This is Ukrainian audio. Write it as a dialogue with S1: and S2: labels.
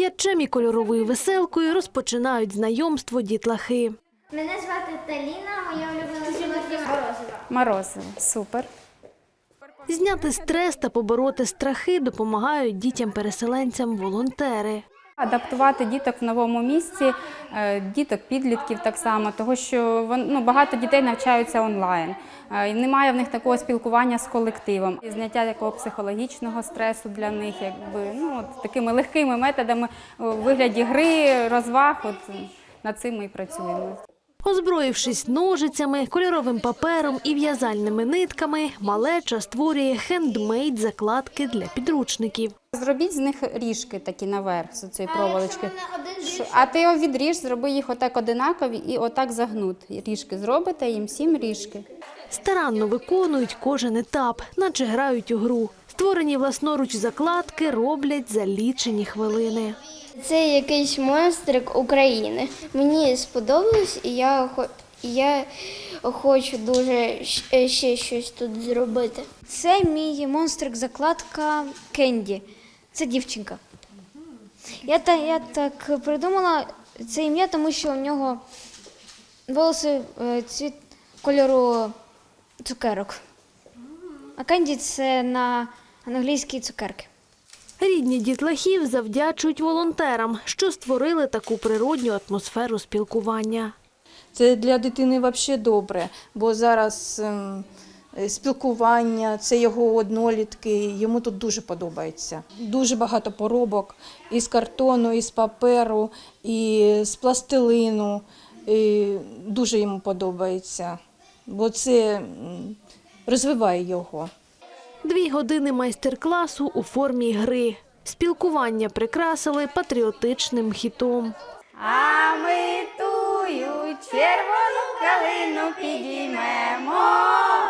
S1: М'ячем і кольоровою веселкою розпочинають знайомство дітлахи.
S2: Мене звати Таліна, моя улюблена солодкість морозиво.
S3: Морозиво. Супер.
S1: Зняти стрес та побороти страхи допомагають дітям-переселенцям волонтери.
S3: Адаптувати діток в новому місці, діток-підлітків так само, тому що багато дітей навчаються онлайн. Немає в них такого спілкування з колективом. І зняття такого психологічного стресу для них, такими легкими методами у вигляді гри, розваг, над цим ми і працюємо.
S1: Озброївшись ножицями, кольоровим папером і в'язальними нитками, малеча створює хендмейд-закладки для підручників.
S3: Зробіть з них ріжки такі наверх, з цієї проволочки. А ти його відріж, зроби їх отак одинакові і отак загнут. Ріжки зробите, їм 7 ріжки.
S1: Старанно виконують кожен етап, наче грають у гру. Створені власноруч закладки роблять за лічені хвилини.
S2: Це якийсь монстрик України. Мені сподобалось, і я хочу дуже ще щось тут зробити.
S4: Це мій монстрик-закладка Кенді. Це дівчинка. Я так придумала це ім'я, тому що у нього волоси цвіт кольору цукерок. А Кенді – це на англійській цукерки.
S1: Рідні дітлахів завдячують волонтерам, що створили таку природню атмосферу спілкування.
S5: Це для дитини взагалі добре, бо зараз спілкування, це його однолітки, йому тут дуже подобається. Дуже багато поробок із картону, із паперу, і з пластилину. І дуже йому подобається, бо це розвиває його.
S1: 2 години майстер-класу у формі гри. Спілкування прикрасили патріотичним хітом.
S3: А ми тую червону калину підіймемо.